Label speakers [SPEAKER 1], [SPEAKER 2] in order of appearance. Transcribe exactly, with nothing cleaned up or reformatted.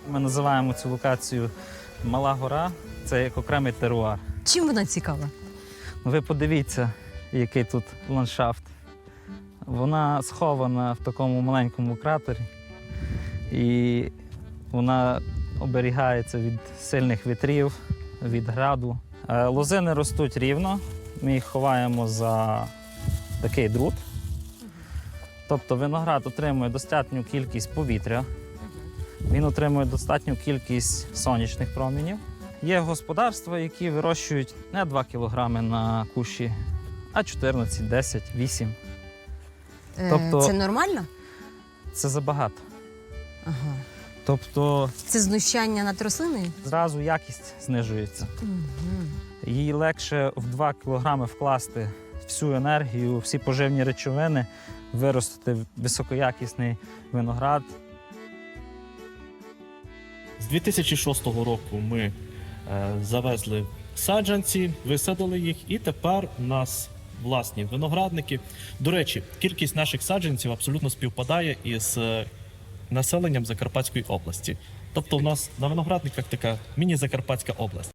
[SPEAKER 1] Ми називаємо цю локацію Мала Гора. Це як окремий теруар.
[SPEAKER 2] Чим вона цікава?
[SPEAKER 1] Ви подивіться, який тут ландшафт. Вона схована в такому маленькому кратері. І вона оберігається від сильних вітрів, від граду. Е, Лозини ростуть рівно. Ми їх ховаємо за такий друт. Тобто виноград отримує достатню кількість повітря, він отримує достатню кількість сонячних промінів. Є господарства, які вирощують не два кілограми на кущі, а чотирнадцять, десять, вісім.
[SPEAKER 2] Е,
[SPEAKER 1] Тобто-
[SPEAKER 2] Це нормально?
[SPEAKER 1] Це забагато.
[SPEAKER 2] Ага.
[SPEAKER 1] Тобто
[SPEAKER 2] Це знущання над рослиною?
[SPEAKER 1] зразу якість знижується.
[SPEAKER 2] Угу.
[SPEAKER 1] Їй легше в два кілограми вкласти всю енергію, всі поживні речовини, виростити високоякісний виноград.
[SPEAKER 3] З дві тисячі шостого року ми е, завезли саджанці, висадили їх, і тепер у нас власні виноградники. До речі, кількість наших саджанців абсолютно співпадає із е, населенням Закарпатської області. Тобто у нас на виноградниках така міні-Закарпатська область.